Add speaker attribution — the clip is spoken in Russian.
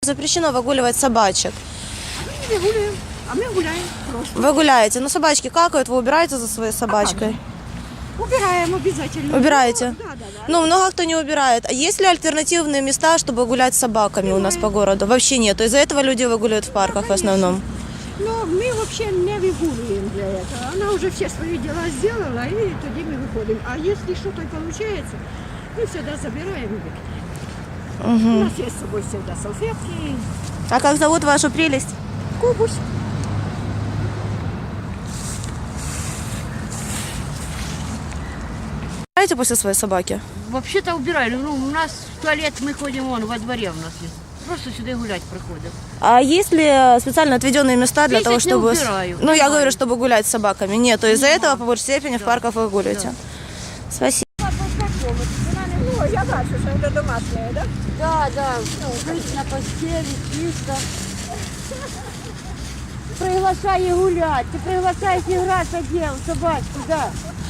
Speaker 1: Запрещено выгуливать собачек.
Speaker 2: Мы не гуляем, а мы гуляем просто.
Speaker 1: Вы гуляете, но собачки какают, вы убираете за своей собачкой?
Speaker 2: Убираем обязательно.
Speaker 1: Убираете?
Speaker 2: Да.
Speaker 1: Ну, много кто не убирает. А есть ли альтернативные места, чтобы гулять с собаками у нас по городу? Вообще нет. Из-за этого люди выгуливают в парках в основном.
Speaker 2: Но мы вообще не выгуливаем для этого. Она уже все свои дела сделала, и тогда мы выходим. А если что-то получается, мы всегда забираем и выкидываем. У нас есть с собой всегда салфетки.
Speaker 1: А как зовут вашу прелесть?
Speaker 2: Кубус.
Speaker 1: Убираете после своей собаки?
Speaker 3: Вообще-то убирали. Ну, у нас в туалет мы ходим вон во дворе у нас есть. Просто сюда гулять проходим.
Speaker 1: А есть ли специально отведенные места для
Speaker 3: Здесь
Speaker 1: того,
Speaker 3: их не
Speaker 1: чтобы...
Speaker 3: убираю.
Speaker 1: Ну, я
Speaker 3: Нема.
Speaker 1: говорю, чтобы гулять с собаками. Нет, то из-за этого по большей степени в парках вы гуляете. Спасибо.
Speaker 2: Ну, я бачу, що це домашнє, так?
Speaker 3: Да. Жить на постели, чисто. Приглашай гулять. Ты приглашаешь играть, одел собачку, да.